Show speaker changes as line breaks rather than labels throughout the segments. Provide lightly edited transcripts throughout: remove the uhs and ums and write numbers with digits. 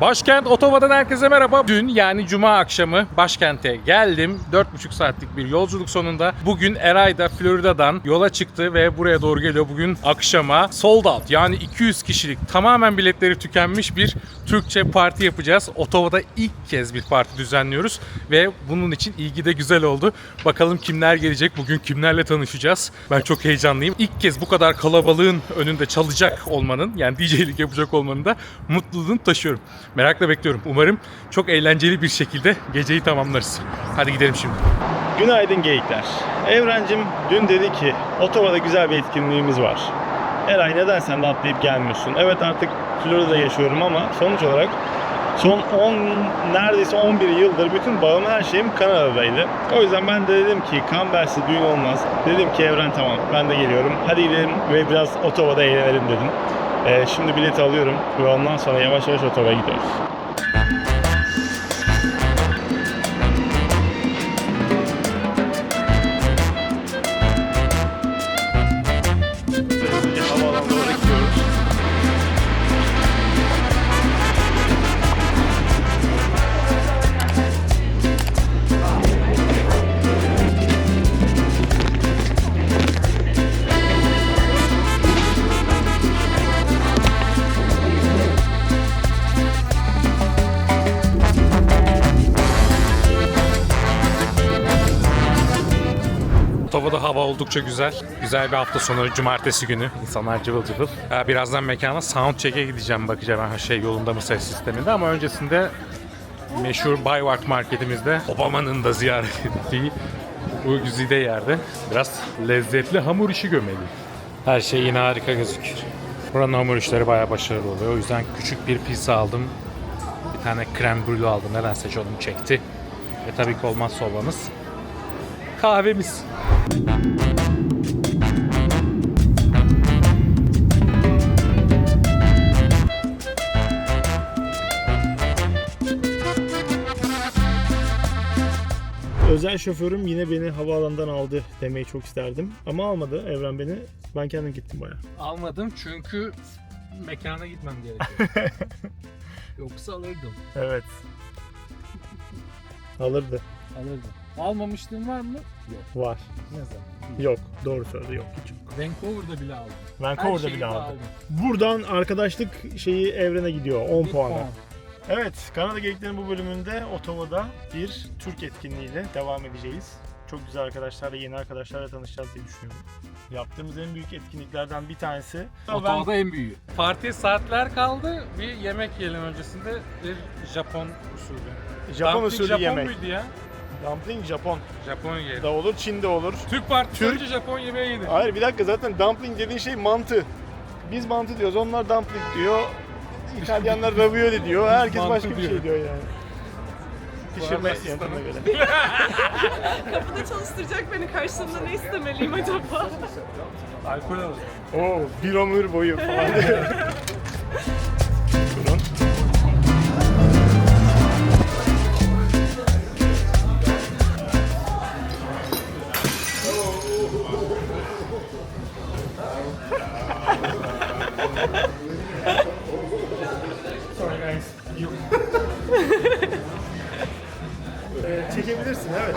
Başkent Ottawa'dan herkese merhaba. Dün yani Cuma akşamı başkente geldim. 4,5 saatlik bir yolculuk sonunda. Bugün Eray da Florida'dan yola çıktı ve buraya doğru geliyor. Bugün akşama sold out yani 200 kişilik tamamen biletleri tükenmiş bir Türkçe parti yapacağız. Ottawa'da ilk kez bir parti düzenliyoruz ve bunun için ilgi de güzel oldu. Bakalım kimler gelecek, bugün kimlerle tanışacağız. Ben çok heyecanlıyım. İlk kez bu kadar kalabalığın önünde çalacak olmanın yani DJ'lik yapacak olmanın da mutluluğunu taşıyorum. Merakla bekliyorum. Umarım çok eğlenceli bir şekilde geceyi tamamlarız. Hadi gidelim şimdi.
Günaydın geyikler. Evrencim dün dedi ki Ottawa'da güzel bir etkinliğimiz var. Eray neden sen de atlayıp gelmiyorsun? Evet artık Florida'da yaşıyorum ama sonuç olarak son neredeyse 11 yıldır bütün bağım her şeyim Kanada'daydı. O yüzden ben de dedim ki Canberra'sı düğün olmaz. Dedim ki Evren tamam ben de geliyorum. Hadi gidelim ve biraz Ottawa'da eğlenelim dedim. Şimdi bileti alıyorum ve ondan sonra yavaş yavaş Ottawa'ya gidiyoruz. Havaalanına doğru gidiyoruz.
Ottawa'da hava oldukça güzel. Güzel bir hafta sonu, cumartesi günü. İnsanlar cıvıl cıvıl. Birazdan mekana soundcheck'e gideceğim. Bakacağım her şey yolunda mı ses sisteminde. Ama öncesinde meşhur Bayward marketimizde Obama'nın da ziyaret ettiği bu güzide yerde biraz lezzetli hamur işi gömeli. Her şey yine harika gözüküyor. Buranın hamur işleri bayağı başarılı oluyor. O yüzden küçük bir pizza aldım. Bir tane krem brûlée aldım. Nedense canım çekti. Ve tabii ki olmazsa olmamız kahvemiz.
Özel şoförüm yine beni havaalanından aldı demeyi çok isterdim. Ama almadı Evren beni. Ben kendim gittim bayağı.
Almadım çünkü mekana gitmem gerekiyor. Yoksa alırdım.
Evet. Alırdı.
Alırdım. Almamışlığın var mı? Yok.
Var.
Ne zaman?
Yok. Doğru söyledi. Yok. Hiç yok.
Vancouver'da bile aldım.
Vancouver'da bile aldı. Buradan arkadaşlık şeyi Evren'e gidiyor. 10 puanla. Evet. Kanada Geyikler'in bu bölümünde Ottawa'da bir Türk etkinliğiyle devam edeceğiz. Çok güzel arkadaşlarla, yeni arkadaşlarla tanışacağız diye düşünüyorum. Yaptığımız en büyük etkinliklerden bir tanesi.
Ottawa'da en büyüğü. Partiye saatler kaldı. Bir yemek yiyelim öncesinde. Bir Japon usulü.
Japon
Dumpling
usulü
Japon
yemek.
muydu ya?
Dumpling Japon
Japon yiyelim.
da olur, Çin'de olur.
Türk partisi
Türk-
önce Japon yemeği yedi.
Hayır bir dakika zaten dumpling dediğin şey mantı. Biz mantı diyoruz, onlar dumpling diyor. İtalyanlar ravioli diyor, herkes
Mantı
başka bir
diyor.
şey diyor yani. Pişirme
arada
yöntemine göre.
Kapıda çalıştıracak beni, karşılığında ne istemeliyim acaba?
Alkol alır.
Oo, bir ömür boyu falan diyor. Bunun. Sorry guys. Çekebilirsin evet.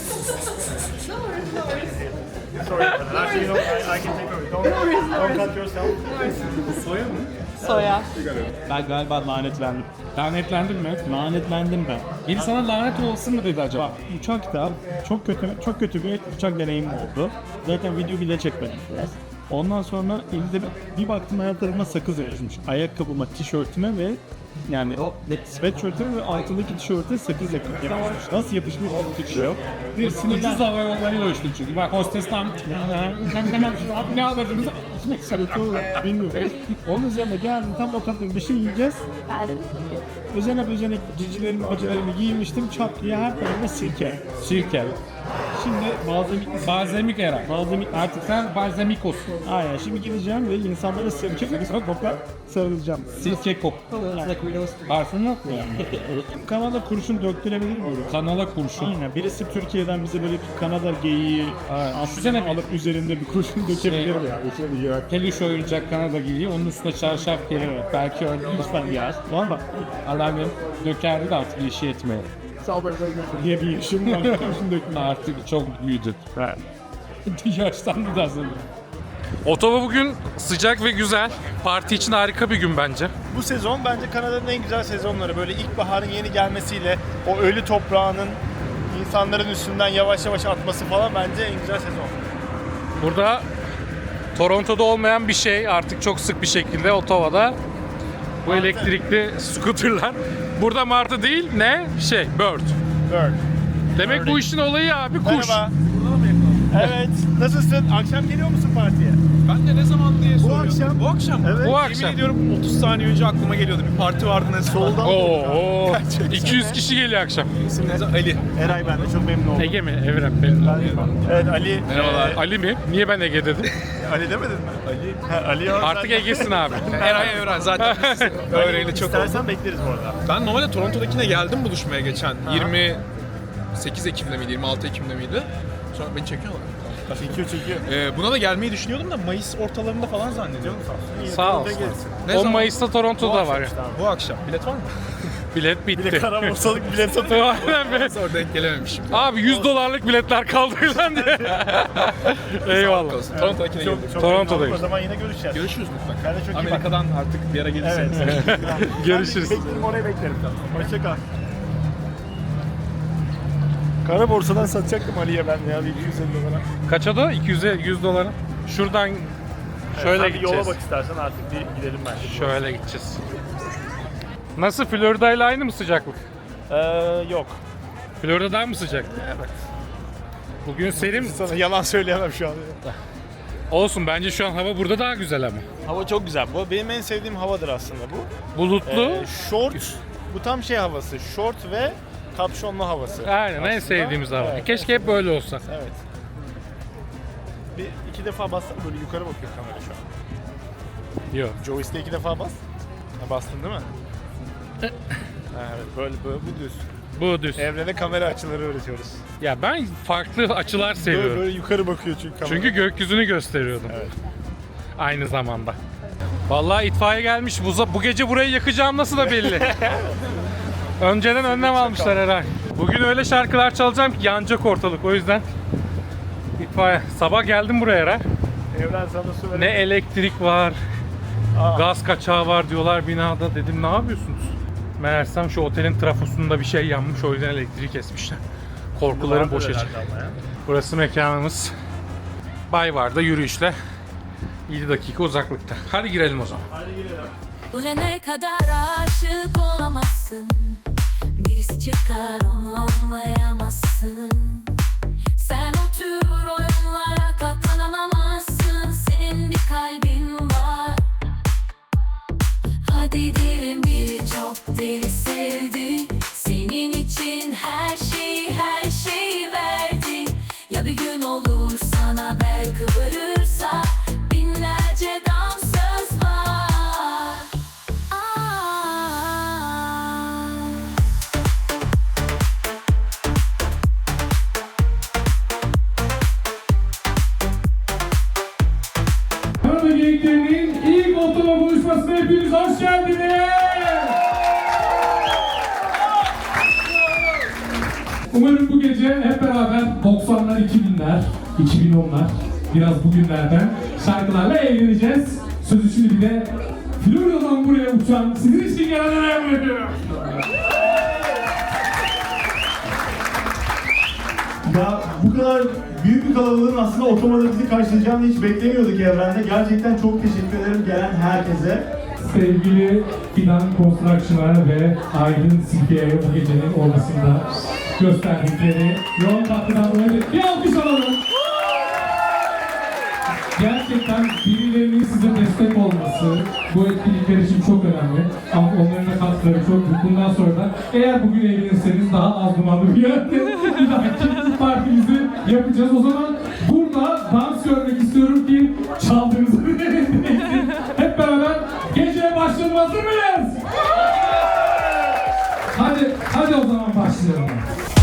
Sorry, actually no, I can take over. Don't cut yourself.
Soya mı?
Soya.
Ben galiba lanetlendim.
Lanetlendin mi?
Lanetlendim ben.
Biri sana lanet olsun mu dedi acaba?
Bak uçakta çok kötü bir uçak deneyimim oldu. Zaten video bile çekmedim biraz. Ondan sonra elimde bir baktım her tarafıma sakız yapışmış. Ayakkabıma, tişörtüme ve yani sweatshirt'ime ve altındaki tişörte sakız yapışmış. Nasıl yapışmış hiçbir fikri yok. Bir sinirden
Ucuz hava yollarıyla uçtun çünkü. Bak hostesten ne alırdınız?
bilmiyorum. Onun üzerine geldim tam o kadar bir şey yiyeceğiz. Üzerine cicilerimi, acılarımı giymiştim. Çat diye her tarafına sirke.
Sirke.
Şimdi
Balzamik era.
balzamik
Artık sen balzamikos.
aynen şimdi gideceğim ve insanlara sirke kokla sarılacağım.
Sirke kok.
Yani
Parfüm yok mu?
Kanada kurşun döktürebilir mi?
Kanala kurşun.
Aynen. Birisi Türkiye'den bize böyle bir Kanada geyiği
Düşünsene
alıp üzerinde bir kurşun dökebilir mi ya?
Peluş oyuncak Kanada geliyor, onun üstüne çarşaf gelir. Belki öyle
Lütfen yaz. Valla
alarmım dökerdi de artık işi yetmiyor.
diye bir işim var. Kurşun dökme.
Artık çok büyüdü. Yaşlandı da aslında. Ottawa bugün sıcak ve güzel. Parti için harika bir gün bence.
Bu sezon bence Kanada'nın en güzel sezonları. Böyle ilkbaharın yeni gelmesiyle o ölü toprağının insanların üstünden yavaş yavaş atması falan bence en güzel sezon.
Burada Toronto'da olmayan bir şey artık çok sık bir şekilde Ottawa'da. Bu
Martı.
elektrikli scooterlar. Burada martı değil ne? Bird.
Bird.
Demek bu işin olayı abi kuş.
Merhaba. Evet. Nasılsın? Akşam geliyor musun partiye?
Ben de ne zaman diye soruyorum.
akşam.
Bu akşam mı?
Evet.
Bu
Yemin
akşam.
ediyorum 30 saniye önce aklıma geliyordu. Bir parti vardı ne
Soldan
Oo,
Gerçekten.
200 kişi geliyor akşam.
İsminiz Ali.
Eray, ben de çok memnun oldum.
Ege mi? Evren benim.
Evet, Ali.
Merhabalar.
Ali mi? Niye ben Ege dedim?
Ali demedin mi? Ali. Ali
Artık Ege'sin abi.
Eray Evren zaten biz öğreyle çok oldu.
İstersen bekleriz bu arada.
Ben normalde Toronto'dakine geldim buluşmaya geçen. 28 Ekim'de miydi? 26 Ekim'de miydi? Sonra beni çekiyorlar.
Çekiyor.
Buna da gelmeyi düşünüyordum da Mayıs ortalarında falan zannediyorum.
Sağ ol.
Ne
10
zaman?
Mayıs'ta Toronto'da var ya.
Bu akşam. Bilet var mı?
Bilet bitti.
Kara borsalık bilet satıyor.
Aynen be.
Sonra denk gelememişim.
Abi $100 biletler kaldı lan diye. Eyvallah.
Toronto'dakine geldim.
Toronto'dayım.
O zaman yine görüşeceğiz.
Görüşürüz mutlaka.
Ben de çok iyi bak.
Amerika'dan artık bir ara gelirseniz.
Evet.
Görüşürüz.
Beklerim, oraya beklerim. Hoşça kal. Kara borsadan satacaktım Ali'ye ben de ya, bir 250 dolara.
Kaça da? $200. Şuradan şöyle
Sen bir
gideceğiz.
yola bak istersen, artık bir gidelim bence.
Şöyle gideceğiz. Nasıl? Florida ile aynı mı sıcaklık?
Yok.
Florida'dan mı sıcak? Evet. Bugün serin
Sana yalan söyleyemem şu an.
olsun. Bence şu an hava burada daha güzel ama.
Hava çok güzel. Bu benim en sevdiğim havadır aslında bu.
Bulutlu.
Short, bu tam şey havası. Short ve kapşonlu havası.
Aynen en
aslında.
sevdiğimiz hava.
Evet.
Keşke hep böyle olsa.
Evet. İki defa bastım, böyle yukarı bakıyor kamera şu an.
Yok.
Joystick'e 2 defa bas. Ha, bastın değil mi? Ha, evet, böyle bu düz.
Bu düz.
Evrene kamera açıları öğretiyoruz.
Ya ben farklı açılar
Böyle,
seviyorum.
böyle yukarı bakıyor çünkü kamera.
Çünkü gökyüzünü gösteriyordum.
Evet.
Aynı zamanda. Vallahi itfaiye gelmiş. Bu gece burayı yakacağım nasıl da belli. Önceden önlem almışlar herhalde. Bugün öyle şarkılar çalacağım ki yanacak ortalık. O yüzden itfaiye. Sabah geldim buraya herhalde.
Evren sana su verir.
Ne elektrik var, gaz kaçağı var diyorlar binada. Dedim ne yapıyorsunuz? Meğersem şu otelin trafosunda bir şey yanmış, o yüzden elektriği kesmişler. Korkularım boşa çıktı. Burası mekanımız. Bayvar'da yürüyüşle 7 dakika uzaklıkta. Hadi girelim o zaman.
Ölene kadar aşık olamazsın. Birisi çıkar onu anlayamazsın. Sen o tür oyunlara katlanamazsın. Senin bir kalbin var. Hadi diyelim biri çok deli sevdi. Senin için her şeyi verdi. Ya bir gün olur sana bel kıvırırsa binlerce dansöz var.
Kanada Geyiklerinin ilk Ottawa buluşmasına hepiniz hoş geldiniz.
Umarım bu gece hep beraber 90'lar, 2000'ler, 2010'lar, biraz bugünlerden şarkılarla eğleneceğiz. Sözü şimdi bir de Florida'dan buraya uçan sizin için gelenlere bırakıyorum.
Ya bu kadar büyük bir kalabalığın aslında Ottawa'da bizi karşılayacağını hiç beklemiyorduk evrende. Gerçekten çok teşekkür ederim gelen herkese.
Sevgili Fidan Construction'a ve Aydın Silke'ye bu gecenin ortasında gösterdikleri yoğun katkıdan dolayı bir alkış alalım. Gerçekten birilerinin size destek olması bu etkinlikler için çok önemli. Ama onların da katkıları çok büyük. Bundan sonra da eğer bugün eğlenirseniz daha az dumanlı bir yerde bir dahaki partimizi yapacağız. O zaman burada dans görmek istiyorum ki çaldığınızı bir hep beraber geceye başlayalım. Hazır mıyız? o zaman başlayalım.